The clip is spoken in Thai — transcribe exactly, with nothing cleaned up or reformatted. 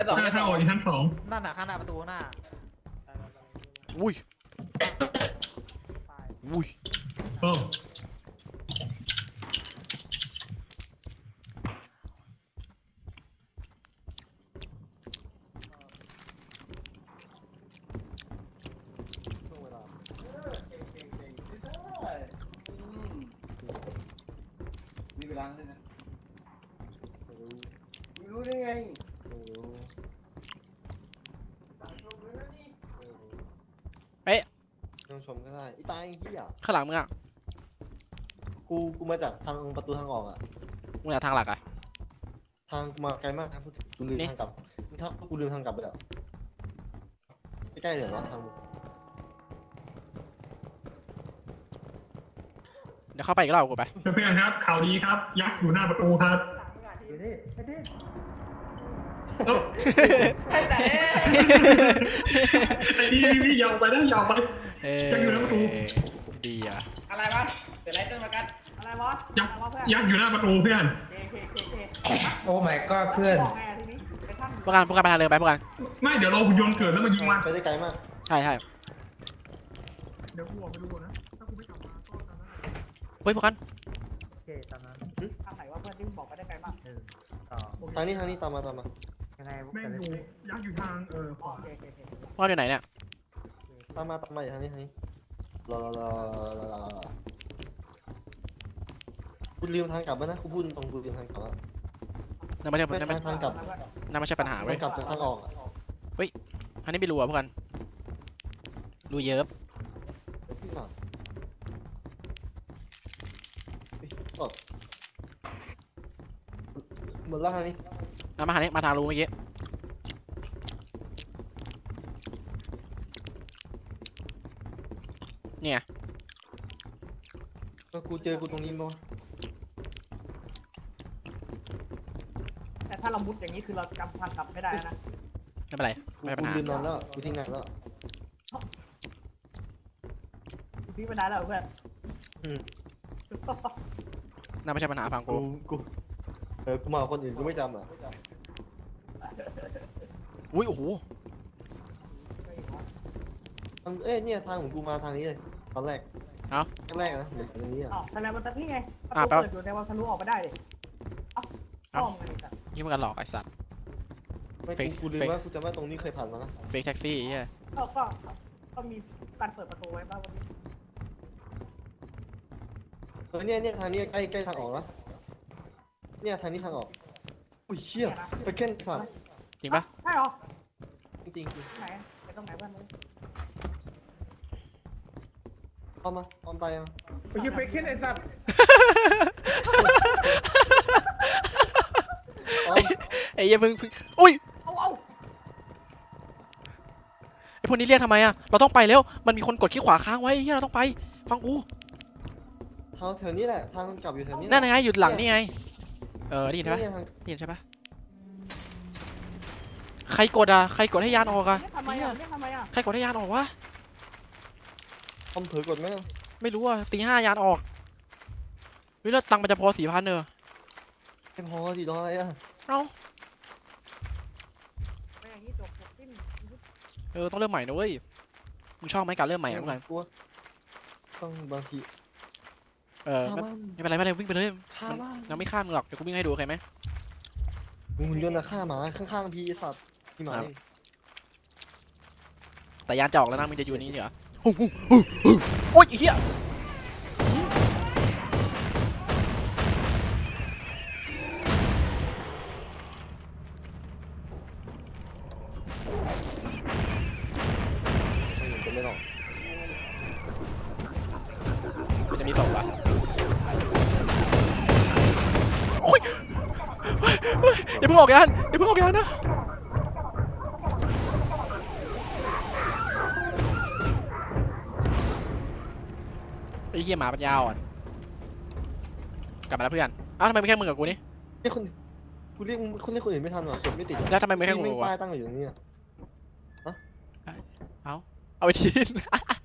ชั้นสองถ้าถ้าออกอยู่ชั้นสองนั่นน่ะข้างหน้าประตูหน้าอุ้ยอุ้ยโอ้มีเวลาด้วยนะไม่รู้ได้ไงยังชมก็ได้อีตายที่อ่ะข้างหลังมึงอ่ะกูกูมาจากทางประตูทางออกอ่ะมึงอยากทางหลักอ่ะทางมาไกลมากนะกูลืมนี่ทางกลับถ้ากูลืมทางกลับไปแล้วใกล้ๆเลยวะทางเดี๋ยวเข้าไปอีกรอบกูไปเพื่อนๆครับข่าวดีครับ ยักษ์อยู่หน้าประตูครับเอ้าไอ้นี่นี่ยาวไปนะยาวไปเอ้ยังอยู่หน้าประตูดีอ่ะอะไรวะเดี๋ยวไล่ต้นมากันอะไรวะยักษ์ยักษ์อยู่หน้าประตูเพื่อนเคเคเคเคโอ้ my god เพื่อนบอกไงทีนี้ไปท่านพวกกันพวกกันไปทางเดินไปพวกกันไม่เดี๋ยวเราหุ่นยนต์เกิดแล้วมายิงมันไปได้ไกลมากใช่ใช่เดี๋ยวกูออกไปดูนะถ้ากูไม่กลับมาก็ตามนั้นเฮ้ยพวกกันโอเคตามนั้นทางไหนว่าเพื่อนที่บอกไปได้ไกลมากหนึ่งสองทางนี้ทางนี้ตามมาตามมายังไงแม่งอยู่ยักษ์อยู่ทางเออขอ๋อวาโอเคโอเคโอเคพวกกันอยู่ไหนเนี่ยตามมาตามมาอยู่ทางนี้ทางนี้รอรอรอรอรอรอกูลืมทางกลับแล้วนะกูพูดตรงกูลืมทางกลับแล้วนั่นไม่ใช่ไม่นั่นไม่ทางกลับนั่นไม่ใช่ปัญหาเว้ทาย งกลับจากทางออกอะอันนี้ไม่รู้อ่ะพวกกันรู้เยอะที่สามกดหมดแล้วทางนี้เอามาทางนี้มาทางรู้เมื่อกี้เนี่ยก็กูเจอกูตรงนี้มั้งแต่ถ้าเรามุดอย่างนี้คือเราจำทางกลับไม่ได้นะไม่เป็นไรไม่เป็นปัญหากูลืมนอนแล้วกูทิ้งนานแล้วพี่ไม่ได้แล้วเพื่อนอืมนั่นไม่ใช่ปัญหาฟังกูกูกูเออกูมากับคนอื่นกูไม่จำอ่ะอุ้ยโอ้โหทางเอ้ยเนี่ยทางของกูมาทางนี้เลยตอนแรกเอ้าแรกๆนะเหมือนตรงนี้อ่ะอ๋อแสดงว่าตอนนี้ไงประอ่ะตูแป๊บเปิดอยู่ในวันทะลุออกไปได้ดิเอ้าเอ้าอ้อมกันอีกอ่ะยี่มันกันหลอกไอ้สัตว์ไม่เฟกูกกูลืมเฟกว่ากูจำว่าตรงนี้เคยผ่านมานะเฟกแท็กซี่ไอ้เหี้ยก็ก็ก็มีการเปิดประตูไว้บ้างวันนี้เออเนี่ยเนี่ยทางนี้ใกล้ใกล้ทางออกแล้วเนี่ยทางนี้ทางออกอุ้ยเชี่ยไปเค้นสัตว์จริงปะใช่เหรอจริงจริงที่ไหนไปตรงไหนเพื่อนเลยเอามาเอาไปมาไปยืมไปขึ้นไอ้สัตว์เอาไอ้เหี้ยเพิ่งเพิ่งอุ้ยเอาเอาไอ้พวกนี้เรียกทำไมอะเราต้องไปแล้วมันมีคนกดขี้ขวาค้างไว้ไอ้เหี้ยเราต้องไปฟังกูทางแถวนี้แหละทางกลับอยู่แถวนี้นั่นไงหยุดหลังนี่ไงเออได้ยินใช่ปะเนี่ยทางได้ยินใช่ปะใครกดอะใครกดให้ยานออกอะเรียกทำไมอ่ะเรียกทำไมอ่ะใครกดให้ยานออกวะคอมเผลอกดไหมไม่รู้อะตีห้ายานออกเฮ้ยแล้วตังค์มันจะพอสี่พันเนอะไม่พอสิรออะไรอ่ะเอ้าไม่อย่างนี้จบจบสิ้นเออต้องเริ่มใหม่นะเว้ยมึงชอบไหมการเริ่มใหม่อะพวกกันกลัวต้องบางทีเออฆ่าก็มันไม่เป็นไรไม่เป็นไรวิ่งไปเลยฆ่ามันยังไม่ฆ่ามึงหรอกเดี๋ยวกูวิ่งให้ดูโอเคไหมมึงหุ่นยนต์อะฆ่าหมาข้างๆพี่ไอ้สัตว์พี่หมาครับเองแต่ยานจะออกแล้วนะมึงจะอยู่นี่เหรอโอ้โหโอ้โหโอ้ยไอ้เหี้ยจะไม่หรอกมันจะมีศพอะโอ้ยเฮ้ยเฮ้ยอย่าเพิ่งออกยานอย่าเพิ่งออกยานนะไอ้เหี้ยหมาปัญญาอ่อนกลับมาแล้วเพื่อนอ้าวทำไมไม่แค่มึงกับกูนี่เรียกคนกูเรียกมึงคนเรียกคนอื่นไม่ทันหรอกกดไม่ติดแล้วทำไมไม่แค่กูไม่วะป้ายตั้งอยู่ตรงนี้อะเอาเอาไปทิ้ง